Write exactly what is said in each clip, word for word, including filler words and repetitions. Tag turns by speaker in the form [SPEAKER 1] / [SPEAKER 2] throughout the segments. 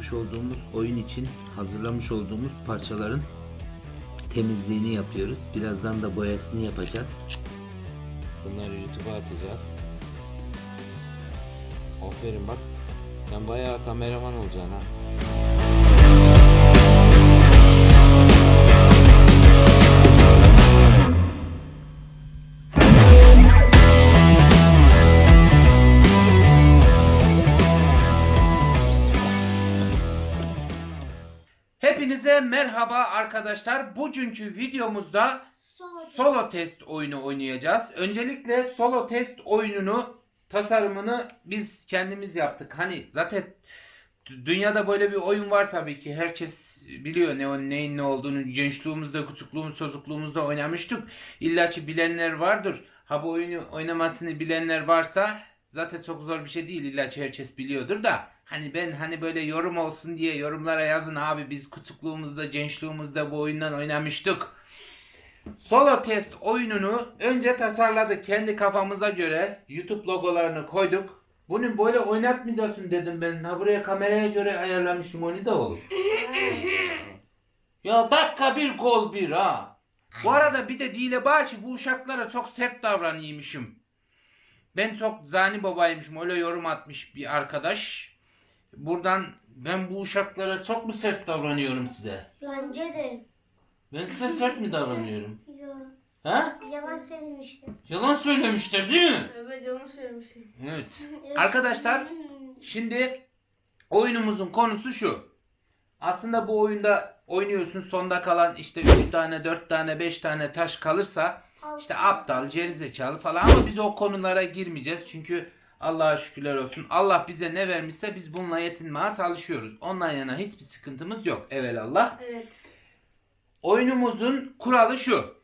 [SPEAKER 1] yapmış olduğumuz oyun için hazırlamış olduğumuz parçaların temizliğini yapıyoruz. Birazdan da boyasını yapacağız. Bunları YouTube'a atacağız. Aferin bak. Sen bayağı kameraman olacaksın ha. Hepinize merhaba arkadaşlar. Bugünkü videomuzda
[SPEAKER 2] Solo,
[SPEAKER 1] solo test oyunu oynayacağız. Öncelikle solo test oyununu tasarımını biz kendimiz yaptık. Hani zaten dünyada böyle bir oyun var tabii ki. Herkes biliyor ne neyin ne olduğunu. Gençliğimizde, küçüklüğümüz, çocukluğumuzda oynamıştık. İlla ki bilenler vardır. Ha bu oyunu oynamasını bilenler varsa zaten çok zor bir şey değil. İlla ki herkes biliyordur da. Hani ben hani böyle yorum olsun diye yorumlara yazın abi biz küçüklüğümüzde, gençliğimizde bu oyundan oynamıştık. Solo test oyununu önce tasarladık kendi kafamıza göre. YouTube logolarını koyduk. Bunu böyle oynatmayacaksın dedim ben. Ha buraya kameraya göre ayarlamışım onu da olur. Ya dakika bir gol bir ha. Bu arada bir de Dile Bağçı bu uşaklara çok sert davranıyormuşum. Ben çok zani babaymışım öyle yorum atmış bir arkadaş. Buradan ben bu uşaklara çok mu sert davranıyorum size?
[SPEAKER 2] Bence de.
[SPEAKER 1] Ben size sert mi davranıyorum?
[SPEAKER 2] Yok.
[SPEAKER 1] Ha?
[SPEAKER 2] Yalan söylemiştim.
[SPEAKER 1] Yalan söylemişler değil mi?
[SPEAKER 3] Evet yalan söylemişim.
[SPEAKER 1] Evet. Arkadaşlar şimdi oyunumuzun konusu şu. Aslında bu oyunda oynuyorsun sonda kalan işte üç tane, dört tane, beş tane taş kalırsa işte aptal, gerizekalı falan ama biz o konulara girmeyeceğiz. Çünkü Allah'a şükürler olsun. Allah bize ne vermişse biz bununla yetinmeye çalışıyoruz. Ondan yana hiçbir sıkıntımız yok. Evelallah.
[SPEAKER 3] Evet.
[SPEAKER 1] Oyunumuzun kuralı şu.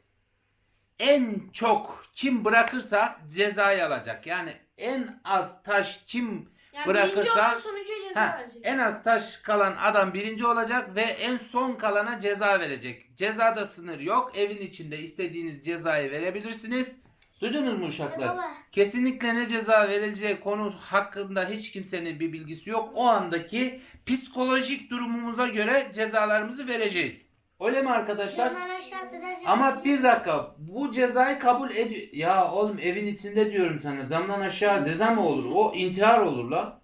[SPEAKER 1] En çok kim bırakırsa cezayı alacak. Yani en az taş kim
[SPEAKER 3] Yani
[SPEAKER 1] bırakırsa
[SPEAKER 3] birinci olan sonuncuya ceza
[SPEAKER 1] ha,
[SPEAKER 3] verecek.
[SPEAKER 1] en az taş kalan adam birinci olacak ve en son kalana ceza verecek. Cezada sınır yok. Evin içinde istediğiniz cezayı verebilirsiniz. Duydunuz mu uşaklar?
[SPEAKER 2] Baba.
[SPEAKER 1] Kesinlikle ne ceza verileceği konu hakkında hiç kimsenin bir bilgisi yok. O andaki psikolojik durumumuza göre cezalarımızı vereceğiz. Öyle mi arkadaşlar?
[SPEAKER 2] Camdan aşağı atlarsan.
[SPEAKER 1] Ama bir dakika bu cezayı kabul ediyor. Ya oğlum evin içinde diyorum sana camdan aşağı ceza mı olur? O intihar olur la.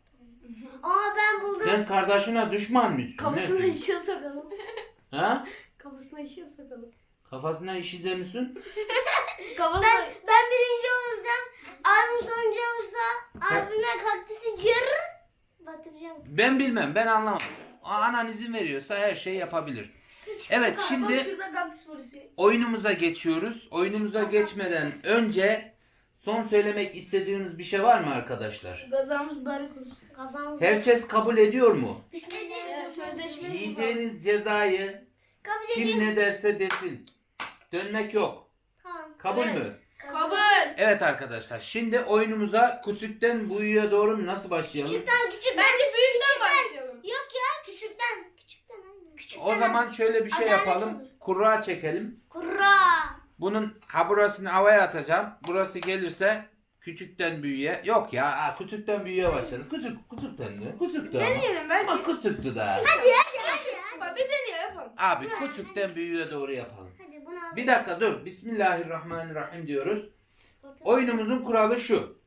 [SPEAKER 2] Aa ben buldum.
[SPEAKER 1] Sen kardeşine düşman mısın?
[SPEAKER 3] Kafasına
[SPEAKER 1] Ne?
[SPEAKER 3] işiyor sokalım.
[SPEAKER 1] Ha?
[SPEAKER 3] Kafasına işiyor sokalım.
[SPEAKER 1] Kafasına işize misin?
[SPEAKER 3] Kafasına...
[SPEAKER 2] Ben, ben birinci olursam, abim sonuncu olursa, abime kaktüsü cır batıracağım.
[SPEAKER 1] Ben bilmem ben anlamam. Anan izin veriyorsa her şeyi yapabilir. Evet şimdi
[SPEAKER 3] Şurada kaktüs polisi.
[SPEAKER 1] oyunumuza geçiyoruz. Oyunumuza geçmeden önce son söylemek istediğiniz bir şey var mı arkadaşlar?
[SPEAKER 3] Gazamız mübarek olsun.
[SPEAKER 2] Kazanız.
[SPEAKER 1] Herkes kabul ediyor mu?
[SPEAKER 3] Evet,
[SPEAKER 2] Bismillahirrahmanirrahim.
[SPEAKER 3] sözleşme-
[SPEAKER 1] Yiyeceğiniz cezayı
[SPEAKER 2] Kabul
[SPEAKER 1] kim
[SPEAKER 2] edeyim.
[SPEAKER 1] ne derse desin. Dönmek yok.
[SPEAKER 2] Tamam.
[SPEAKER 1] Kabul
[SPEAKER 3] Evet.
[SPEAKER 1] mü?
[SPEAKER 3] Kabul.
[SPEAKER 1] Evet arkadaşlar şimdi oyunumuza küçükten büyüğe doğru nasıl başlayalım?
[SPEAKER 2] Küçükten küçük.
[SPEAKER 3] Bence büyükten başlayalım.
[SPEAKER 2] Yok ya küçükten. Küçükten anne. Küçükten.
[SPEAKER 1] O zaman şöyle bir şey
[SPEAKER 2] Adalet
[SPEAKER 1] yapalım.
[SPEAKER 2] olur.
[SPEAKER 1] Kura çekelim.
[SPEAKER 2] Kurra.
[SPEAKER 1] Bunun ha burasını havaya atacağım. Burası gelirse küçükten büyüğe. Yok ya ha, küçükten büyüğe başladık. Küçük küçükten de. Küçüktü ama.
[SPEAKER 3] Deneyelim belki.
[SPEAKER 1] Ama küçüktü daha.
[SPEAKER 2] Hadi hadi hadi. hadi.
[SPEAKER 3] Bak bir deneyelim yapalım.
[SPEAKER 1] Abi küçükten büyüğe doğru yapalım.
[SPEAKER 2] Hadi bunu al.
[SPEAKER 1] Bir dakika dur. Bismillahirrahmanirrahim diyoruz. Oyunumuzun kuralı şu.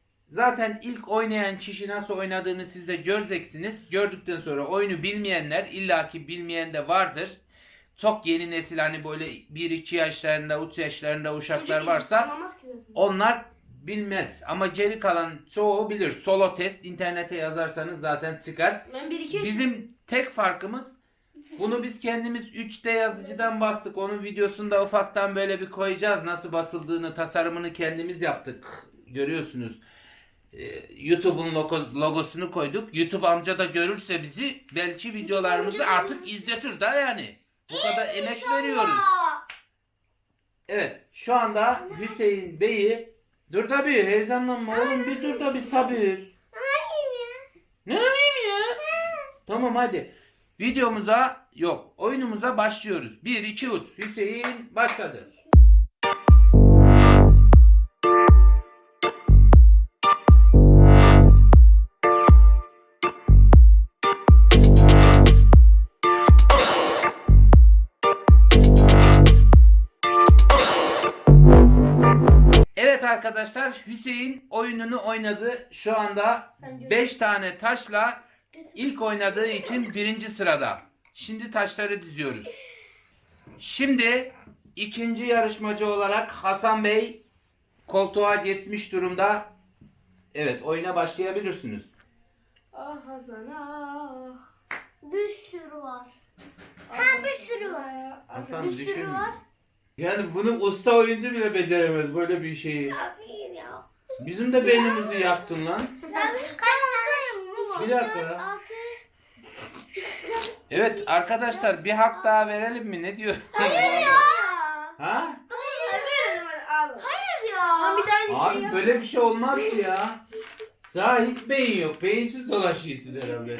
[SPEAKER 1] Zaten ilk oynayan kişi nasıl oynadığını siz de göreceksiniz. Gördükten sonra oyunu bilmeyenler illaki bilmeyen de vardır. Çok yeni nesil hani böyle bir iki yaşlarında, üç yaşlarında uşaklar
[SPEAKER 3] Çocuk
[SPEAKER 1] varsa
[SPEAKER 3] anlamaz ki zaten.
[SPEAKER 1] onlar bilmez. Ama geri kalan çoğu bilir. Solo test internete yazarsanız zaten çıkar.
[SPEAKER 3] Ben bir iki yaşım.
[SPEAKER 1] Bizim tek farkımız bunu biz kendimiz üç D yazıcıdan bastık. Onun videosunu da ufaktan böyle bir koyacağız. Nasıl basıldığını, tasarımını kendimiz yaptık. Görüyorsunuz. Ee, YouTube'un logo- logosunu koyduk. YouTube amca da görürse bizi belki videolarımızı artık izletir da yani. Bu kadar emek veriyoruz.
[SPEAKER 2] Aa,
[SPEAKER 1] Evet, şu anda Hüseyin Bey'i dur da bir heyecanlanma oğlum bir dur da bir sabır. Ne yapayım ya? Tamam hadi. Videomuza yok oyunumuza başlıyoruz. bir iki üç Hüseyin başladı. arkadaşlar, Hüseyin oyununu oynadı. Şu anda beş tane taşla ilk oynadığı için birinci sırada. Şimdi taşları diziyoruz. Şimdi ikinci yarışmacı olarak Hasan Bey koltuğa geçmiş durumda. Evet, oyuna başlayabilirsiniz.
[SPEAKER 3] Ah Hasan ah.
[SPEAKER 2] Bir sürü var.
[SPEAKER 3] Ah,
[SPEAKER 2] Ha, bir sürü var.
[SPEAKER 1] Hasan
[SPEAKER 2] Bir sürü
[SPEAKER 1] düşün.
[SPEAKER 2] var.
[SPEAKER 1] Yani bunu usta oyuncu bile beceremez böyle bir şeyi.
[SPEAKER 2] Abi ya.
[SPEAKER 1] Bizim de beynimizi yaktın lan.
[SPEAKER 2] Abi kaç tane mı var?
[SPEAKER 1] Bir dakika ya.
[SPEAKER 2] Dört, altı.
[SPEAKER 1] Evet arkadaşlar, bir hak daha verelim mi? Ne diyor?
[SPEAKER 2] Hayır ya.
[SPEAKER 1] Ha?
[SPEAKER 3] Hadi verelim hadi al.
[SPEAKER 2] Hayır ya.
[SPEAKER 3] Ama bir de aynı şey
[SPEAKER 1] Abi
[SPEAKER 3] yap.
[SPEAKER 1] böyle bir şey olmaz ki ya. Sağ hiç beyin yok. Beyinsiz dolaşıyorsun herhalde.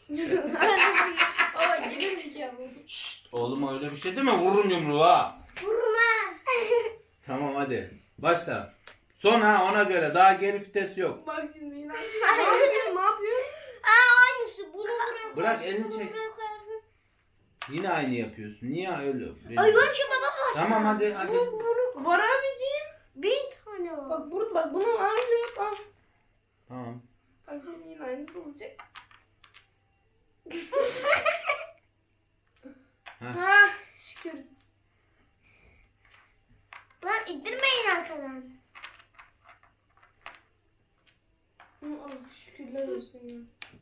[SPEAKER 3] Baba geri zekalı.
[SPEAKER 1] Şşt, oğlum öyle bir şey deme, vururum yumruğu ha.
[SPEAKER 2] Vurma.
[SPEAKER 1] Tamam hadi. Başla. Son ha, ona göre. Daha geri vites yok.
[SPEAKER 3] Bak şimdi yine. Ne yapıyor? Ne yapıyor?
[SPEAKER 2] Aa, aynısı. Bunu buraya
[SPEAKER 1] Bırak,
[SPEAKER 2] koyarsın,
[SPEAKER 1] elini
[SPEAKER 2] bunu
[SPEAKER 1] çek.
[SPEAKER 2] buraya koyarsın.
[SPEAKER 1] Yine aynı yapıyorsun. Niye öyle?
[SPEAKER 2] Ay yok ki baba başka.
[SPEAKER 1] Tamam hadi hadi.
[SPEAKER 2] Bu, bunu
[SPEAKER 3] Var abiciğim.
[SPEAKER 2] bin tane var.
[SPEAKER 3] Bak bunu bak bunu aynı yap. Bak.
[SPEAKER 1] Tamam.
[SPEAKER 3] Bak şimdi yine aynısı olacak.
[SPEAKER 1] Heh.
[SPEAKER 3] Ha şükür.
[SPEAKER 2] Lan ittirmeyin arkadan.
[SPEAKER 3] Oh, şükürler olsun ya.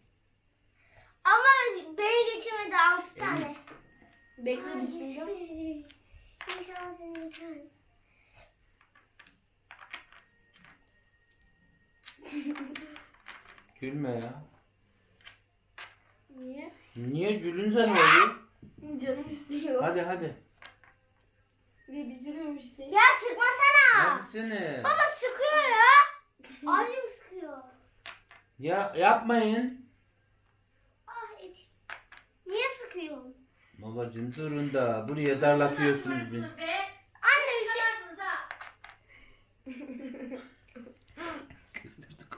[SPEAKER 2] Ama beni geçemedi altı tane.
[SPEAKER 3] Bekle
[SPEAKER 2] Ay,
[SPEAKER 3] bismillah.
[SPEAKER 2] geçti. İnşallah beni geçmez.
[SPEAKER 1] Gülme ya.
[SPEAKER 3] Niye?
[SPEAKER 1] Niye gülünce ne oluyor?
[SPEAKER 3] Canım istiyor.
[SPEAKER 1] Hadi hadi.
[SPEAKER 3] Ve bitiriyormuş Hüseyin.
[SPEAKER 2] Ya sıkmasana.
[SPEAKER 1] Hadi seni.
[SPEAKER 2] Baba sıkıyor ya. Abim sıkıyor.
[SPEAKER 1] Ya yapmayın.
[SPEAKER 2] Ah etim. Niye sıkıyorsun?
[SPEAKER 1] Babacım durun da buraya darlatıyorsunuz beni.
[SPEAKER 2] Anne bir şey.
[SPEAKER 1] Kızdırdık.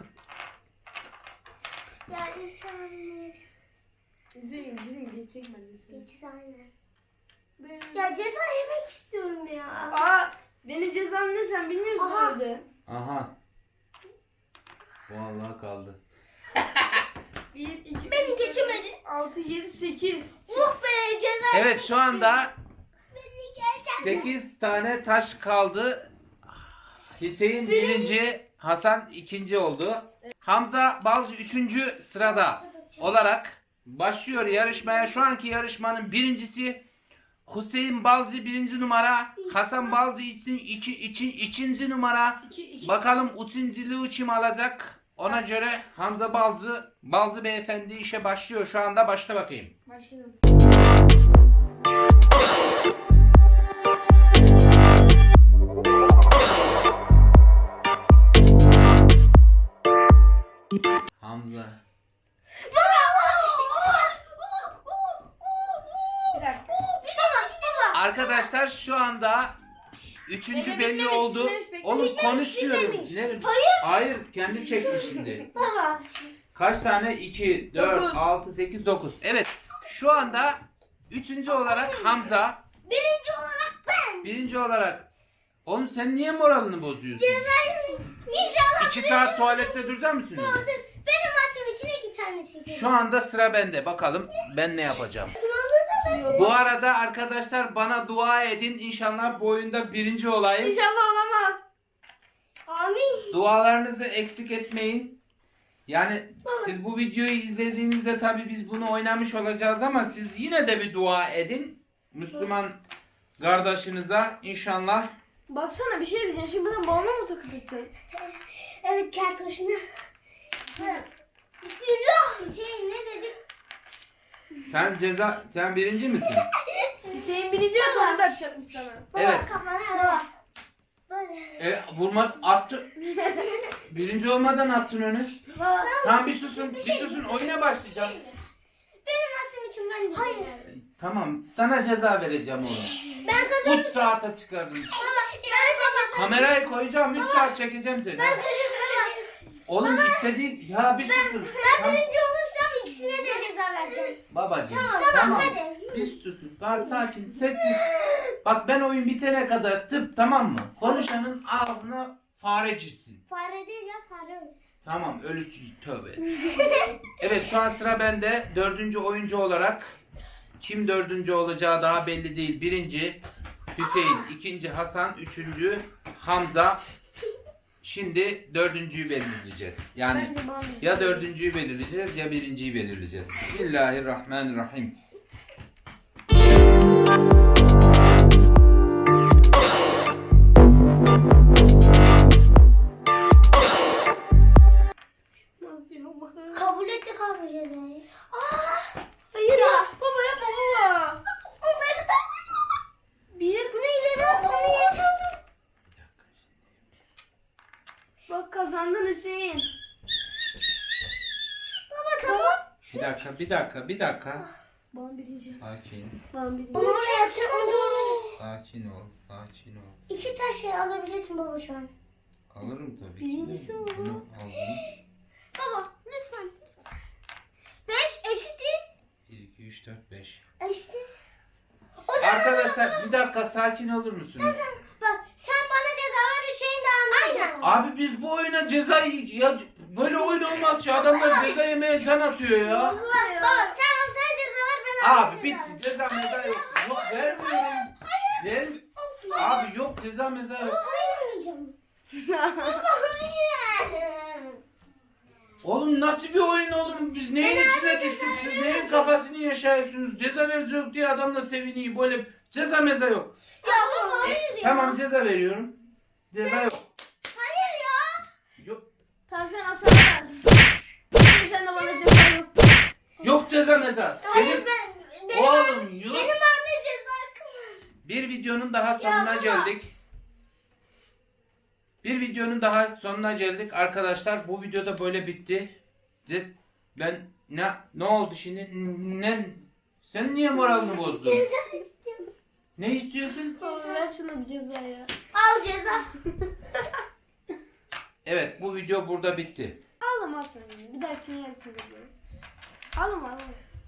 [SPEAKER 2] Ya inşallah beni geçmez.
[SPEAKER 3] Hüseyin Hüseyin geçecek bence seni.
[SPEAKER 2] Geçiz aynen. Ya ceza yemek istiyorum ya.
[SPEAKER 3] Aa benim cezam ne sen bilmiyorsun
[SPEAKER 2] Aha.
[SPEAKER 3] öyle.
[SPEAKER 1] Aha. Vallahi kaldı.
[SPEAKER 3] bir, iki,
[SPEAKER 2] Beni
[SPEAKER 3] üç,
[SPEAKER 2] geçemedi.
[SPEAKER 3] dört, altı, yedi, sekiz.
[SPEAKER 2] Uh be ceza.
[SPEAKER 1] Evet şu anda
[SPEAKER 2] Beni geçemedi.
[SPEAKER 1] sekiz tane taş kaldı. Hüseyin birinci, Hasan ikinci oldu. Hamza Balcı üçüncü sırada olarak başlıyor yarışmaya. Şu anki yarışmanın birincisi Hüseyin Balcı birinci numara, Hasan Balcı için iki, için ikinci numara.
[SPEAKER 3] iki, iki.
[SPEAKER 1] Bakalım üçüncülüğü kim alacak? Ona göre Hamza Balcı, Balcı beyefendi işe başlıyor şu anda. Başla bakayım.
[SPEAKER 3] Başlayalım.
[SPEAKER 1] Hamza.
[SPEAKER 3] Bir dakika.
[SPEAKER 1] Arkadaşlar şu anda üçüncü
[SPEAKER 3] Bekle,
[SPEAKER 1] belli
[SPEAKER 3] bitmemiş,
[SPEAKER 1] oldu.
[SPEAKER 3] bitmemiş, bekle.
[SPEAKER 1] Oğlum
[SPEAKER 2] Bitmemiş,
[SPEAKER 1] konuşuyorum.
[SPEAKER 2] bitmemiş.
[SPEAKER 1] Nerede?
[SPEAKER 2] Hayır.
[SPEAKER 1] Hayır, kendi çekti şimdi.
[SPEAKER 2] Baba.
[SPEAKER 1] Kaç tane? iki, dört,
[SPEAKER 3] Dokuz.
[SPEAKER 1] altı, sekiz, dokuz. Evet. Şu anda üçüncü olarak Hamza.
[SPEAKER 2] Birinci olarak ben.
[SPEAKER 1] Birinci olarak. Oğlum sen niye moralini bozuyorsun?
[SPEAKER 2] Ceza yemek istiyorum. İnşallah.
[SPEAKER 1] İki saat tuvalette duracak mısın? öyle?
[SPEAKER 2] Dur. Benim maçım için iki tane çekelim.
[SPEAKER 1] Şu anda sıra bende. Bakalım ben ne yapacağım.
[SPEAKER 2] Sınavda da ben.
[SPEAKER 1] Bu arada arkadaşlar bana dua edin. İnşallah bu oyunda birinci olayım.
[SPEAKER 3] İnşallah olamaz.
[SPEAKER 2] Amin.
[SPEAKER 1] Dualarınızı eksik etmeyin. Yani siz bu videoyu izlediğinizde tabii biz bunu oynamış olacağız ama siz yine de bir dua edin. Müslüman kardeşinize inşallah.
[SPEAKER 3] Baksana bir şey diyeceğim. Şimdi buradan balona mı takılacaksın?
[SPEAKER 2] Evet kertoşuna. Bismillah. Hüseyin ne dedim?
[SPEAKER 1] Sen ceza sen birinci misin?
[SPEAKER 3] Hüseyin birinci ve topu da atacakmış sana.
[SPEAKER 2] Baba
[SPEAKER 1] Evet.
[SPEAKER 2] kafana baba. Böyle.
[SPEAKER 1] E, vurmak attı. Birinci olmadan attın önü.
[SPEAKER 2] Baba.
[SPEAKER 1] Tamam bir susun. Bir susun. Oyuna başlayacağım.
[SPEAKER 2] Benim maçım için ben Hayır.
[SPEAKER 1] Tamam. Sana ceza vereceğim onu.
[SPEAKER 2] Ben kazandım.
[SPEAKER 1] üç saate çıkardım.
[SPEAKER 2] Baba ben kazandım.
[SPEAKER 1] Kamerayı koyacağım. üç saat çekeceğim seni.
[SPEAKER 2] Ben kazandım.
[SPEAKER 1] Oğlum istediğin ya bir susun.
[SPEAKER 2] Ben
[SPEAKER 1] Tamam.
[SPEAKER 2] birinci olursam ikisine de ceza vereceğim.
[SPEAKER 1] Babacığım.
[SPEAKER 2] Tamam, tamam, hadi.
[SPEAKER 1] Bir susun. Daha sakin. Sessiz. Bak ben oyun bitene kadar tıp tamam mı? Konuşanın ağzına Farecirsin.
[SPEAKER 2] Fare değil ya fare olur.
[SPEAKER 1] Tamam ölüsü tövbe. Evet şu an sıra bende. Dördüncü oyuncu olarak kim dördüncü olacağı daha belli değil. Birinci Hüseyin, ikinci Hasan, üçüncü Hamza. Şimdi dördüncüyü belirleyeceğiz. Yani
[SPEAKER 3] Bence bana bir-
[SPEAKER 1] ya dördüncüyü belirleyeceğiz ya birinciyi belirleyeceğiz. Bismillahirrahmanirrahim.
[SPEAKER 3] Nasıl bir baba?
[SPEAKER 2] Kabul ettik abi cezayı. Aa,
[SPEAKER 3] Hayır ya. Baba yapma baba.
[SPEAKER 2] onları da
[SPEAKER 3] Bir.
[SPEAKER 2] bu neyleri aldım?
[SPEAKER 3] Bak kazandın Hüseyin.
[SPEAKER 2] Baba tamam.
[SPEAKER 1] Bir dakika, bir dakika, bir dakika.
[SPEAKER 3] Bana birinci.
[SPEAKER 1] Sakin,
[SPEAKER 3] Bana birinci.
[SPEAKER 2] Onu oraya atıyor. Onu.
[SPEAKER 1] sakin ol, sakin ol.
[SPEAKER 2] İki taş şey alabilirsin baba şu an.
[SPEAKER 1] Alırım tabii ki.
[SPEAKER 3] Birincisi mi bu?
[SPEAKER 1] Bunu aldım.
[SPEAKER 2] Baba lütfen. Beş eşitiz.
[SPEAKER 1] bir, iki, üç, dört, beş.
[SPEAKER 2] Eşitiz. O zaman
[SPEAKER 1] Arkadaşlar bir dakika sakin olur musunuz?
[SPEAKER 2] bak sen bana ceza ver Hüseyin de Ahmet ceza ver.
[SPEAKER 1] Abi biz bu oyuna ceza ya böyle oyun olmaz ki adamlar ceza yemeye can atıyor ya.
[SPEAKER 3] Baba ya.
[SPEAKER 2] Baba sen Hasan'a ceza ver ben Ahmet'e
[SPEAKER 1] Abi
[SPEAKER 2] ceza
[SPEAKER 1] bitti ceza meza yok. Yok vermiyorum. Ver.
[SPEAKER 2] Of ya.
[SPEAKER 1] Abi yok ceza meza yok.
[SPEAKER 2] Hayır oynayacağım. Baba hayır.
[SPEAKER 1] Oğlum nasıl bir oyun oğlum? Biz neyin içine düştük? Siz neyin kafasını yaşıyorsunuz? Ceza verecek diye adamla seviniyor. Böyle ceza meza yok.
[SPEAKER 2] Ya baba hayır ya.
[SPEAKER 1] Tamam ceza veriyorum. Ceza yok.
[SPEAKER 2] Hayır ya.
[SPEAKER 1] Yok.
[SPEAKER 3] Tamam sen Hasan'a ver. Hüseyin sen de bana ceza yok.
[SPEAKER 1] Yok ceza meza.
[SPEAKER 2] Hayır
[SPEAKER 1] Benim,
[SPEAKER 2] ben. Benim,
[SPEAKER 1] oğlum yok.
[SPEAKER 2] benim Ahmet ceza hakkım.
[SPEAKER 1] Bir videonun daha sonuna
[SPEAKER 2] baba.
[SPEAKER 1] geldik. Bir videonun daha sonuna geldik arkadaşlar. Bu videoda böyle bitti. Ce- Ben ne ne oldu şimdi? Ne sen niye moralini bozdun?
[SPEAKER 2] Ceza istiyorum.
[SPEAKER 1] Ne istiyorsun?
[SPEAKER 3] Tamam ver şuna bir ceza ya.
[SPEAKER 2] Al ceza.
[SPEAKER 1] Evet bu video burada bitti.
[SPEAKER 3] Ağlama Hasan ya. Bir dahakine yersin dedi. Ağlama ağlama.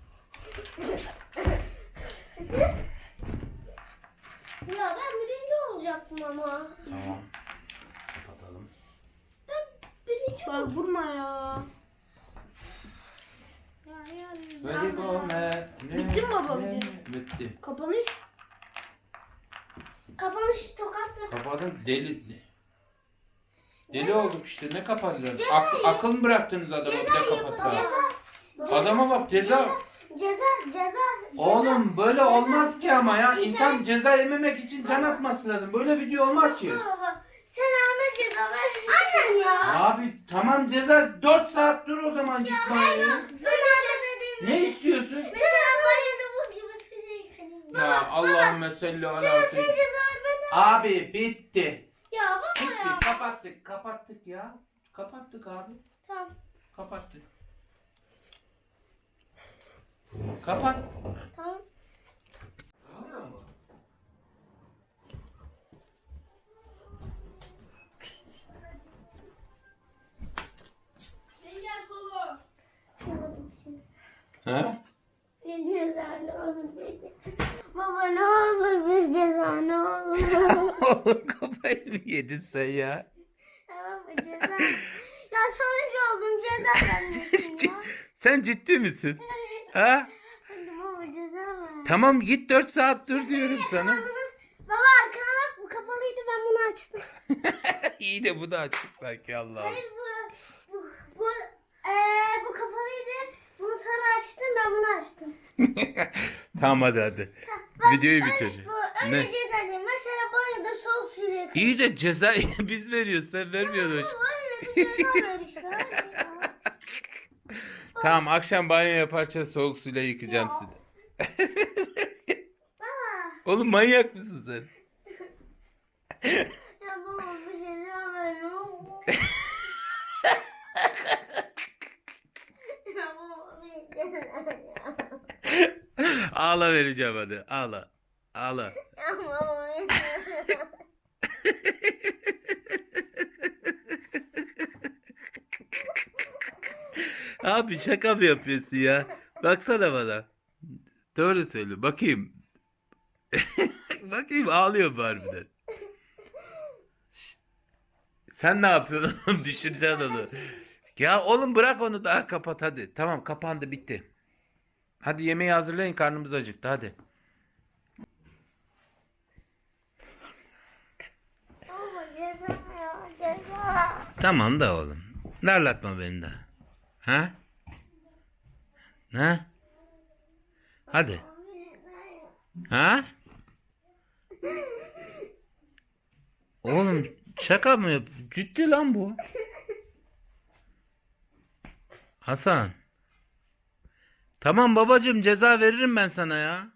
[SPEAKER 2] Ya ben birinci olacaktım ama.
[SPEAKER 1] Tamam. Kapatalım.
[SPEAKER 2] Ben birinci
[SPEAKER 3] Bak vurma ya. Ya ya. güzel.
[SPEAKER 1] Böyle gome.
[SPEAKER 3] Bitti mi baba video?
[SPEAKER 1] Bitti.
[SPEAKER 3] Kapanış.
[SPEAKER 2] Kapanış tokatla.
[SPEAKER 1] Kapadın deli. Deli olduk işte ne kapatacağız? Ak- akıl mı bıraktınız adama bir de kapatsa?
[SPEAKER 2] Ceza.
[SPEAKER 1] Adama bak ceza.
[SPEAKER 2] Ceza. Ceza.
[SPEAKER 1] Oğlum böyle olmaz ki ama ya. İnsan ceza yememek için can atması lazım. Böyle video olmaz ki.
[SPEAKER 2] Baba sen Ahmet ceza ver. Aynen ya.
[SPEAKER 1] Abi tamam ceza dört saat dur o zaman git banyoya.
[SPEAKER 2] Sana ceza değil mi?
[SPEAKER 1] Ne istiyorsun?
[SPEAKER 2] Mesela banyoda buz gibi suyla yıkanayım.
[SPEAKER 1] Ya Allahümme salli
[SPEAKER 2] Sen
[SPEAKER 1] ala
[SPEAKER 2] sen ceza
[SPEAKER 1] seyyidina.
[SPEAKER 2] ver ben de.
[SPEAKER 1] Abi bitti.
[SPEAKER 2] Ya baba
[SPEAKER 1] Bitti.
[SPEAKER 2] ya.
[SPEAKER 1] Kapattık. Kapattık ya. Kapattık abi.
[SPEAKER 2] Tamam.
[SPEAKER 1] Kapattık. Kapat.
[SPEAKER 2] Tamam.
[SPEAKER 1] Oluyor mu?
[SPEAKER 3] Gel solo.
[SPEAKER 1] Ha?
[SPEAKER 2] Bir ceza ne olur bir ceza. Baba ne olur bir ceza ne olur.
[SPEAKER 1] Kafayı mı yedin sen ya?
[SPEAKER 2] Tamam mı ceza? Ya sonuncu oldum ceza vermiyorsun ya.
[SPEAKER 1] Sen ciddi misin? Ha?
[SPEAKER 2] Hadi baba ceza ver.
[SPEAKER 1] Tamam git dört saat dur diyorum sana.
[SPEAKER 2] Yakaladınız. Baba arkana bak bu kapalıydı ben bunu açtım.
[SPEAKER 1] İyi de bu da açık sanki Allah'ım.
[SPEAKER 2] Hayır bu bu bu, eee, bu kapalıydı. Bunu sonra açtım ben bunu açtım.
[SPEAKER 1] Tamam hadi hadi. Videoyu bitir.
[SPEAKER 2] Bu öyle
[SPEAKER 1] Ne?
[SPEAKER 2] ceza değil. Mesela banyoda soğuk suyla yıkanıyor.
[SPEAKER 1] İyi de cezayı biz veriyoruz sen vermiyorsun.
[SPEAKER 2] Öyle bir ceza ver işte. Hadi ya.
[SPEAKER 1] Tamam akşam banyo yaparken soğuk suyla yıkayacağım
[SPEAKER 2] Ya.
[SPEAKER 1] seni.
[SPEAKER 2] Baba.
[SPEAKER 1] Oğlum manyak mısın sen?
[SPEAKER 2] Ya baba bir ceza ver ne olur. Ya baba bir ceza ver ya.
[SPEAKER 1] Ağla vereceğim hadi ağla. Ağla.
[SPEAKER 2] Ya baba bir ceza ver.
[SPEAKER 1] Abi şaka mı yapıyorsun ya? Baksana bana. Doğru söyle bakayım. Bakayım ağlıyor mu harbiden? Sen ne yapıyorsun? Düşüreceksin onu. Ya oğlum bırak onu daha kapat hadi. Tamam kapandı bitti. Hadi yemeği hazırlayın karnımız acıktı hadi.
[SPEAKER 2] Baba ceza ya ceza.
[SPEAKER 1] Tamam da oğlum. Darlatma beni de. Ha? Ha? Hadi. Ha? Oğlum şaka mı yap? Ciddi lan bu. Hasan. Tamam babacığım ceza veririm ben sana ya.